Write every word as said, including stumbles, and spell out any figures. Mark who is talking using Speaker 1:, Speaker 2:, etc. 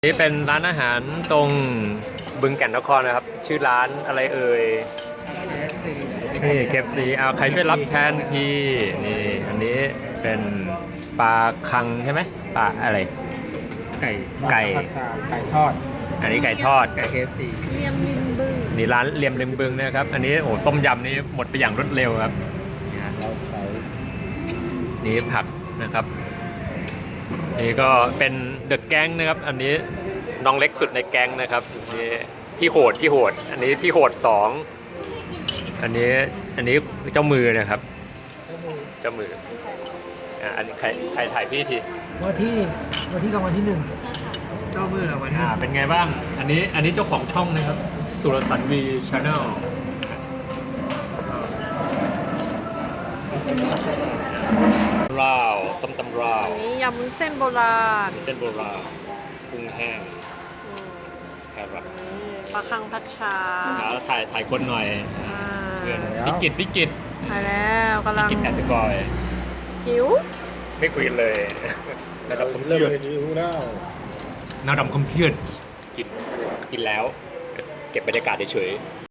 Speaker 1: นี่เป็นร้านอาหารตรงบึงแก่นนครนะครับชื่อร้านอะไรเอ่ยนี่ เค เอฟ ซี เอาใครช่วยรับแทนทีนี่อันนี้เป็นปลาคังใช่ไหมปลาอะไร
Speaker 2: ไก่
Speaker 1: ไก่
Speaker 2: ไก่ทอด
Speaker 1: อันนี้ไก่ทอด
Speaker 2: ไก่ เค เอฟ ซี
Speaker 3: เลียมริมบึง
Speaker 1: นี่ร้านเลียมริมบึงนะครับอันนี้โอ้ต้มยำนี่หมดไปอย่างรวดเร็วครับ
Speaker 2: เราใช้
Speaker 1: นี่ผักนะครับนี่ก็เป็นเดอะแก๊งนะครับอันนี้น้องเล็กสุดในแก๊งนะครับนี่พี่โหดพี่โหดอันนี้พี่โหดสองอันนี้อันนี้เจ้ามือนะครับเจ้ามืออ่ะอันนี้ใครใครถ่ายพี่ที
Speaker 4: วันที่วันที่รางวัลที่หนึ่ง
Speaker 2: เจ้ามือเราวันนี้
Speaker 1: อ่าเป็นไงบ้างอันนี้อันนี้เจ้าของช่องนะครับสุรสันต์วีชาแนลราวส้มตำราว
Speaker 3: อันนี้ยำวุ้นเส้นโบราณ
Speaker 1: เส้นโบราณกุ้งแห้ง
Speaker 3: อืม
Speaker 1: แครอท
Speaker 3: ปลาคังพัชชา
Speaker 1: แล้วถ่ายถ่ายคนหน่อย
Speaker 3: อ่า
Speaker 1: เพื่อนพิกิตพิกิต
Speaker 3: ไปแล้วกำลัง
Speaker 1: พิกิตแอนด์บอย
Speaker 3: หิว
Speaker 1: ไม่คุยเลย ระดับคอม
Speaker 2: เริ่
Speaker 1: พิ
Speaker 2: ม
Speaker 1: ว
Speaker 2: เลยนิ้วแล้ว
Speaker 1: ระดับคอมพิวกินกินแล้ว เก็บบรรยากาศเฉย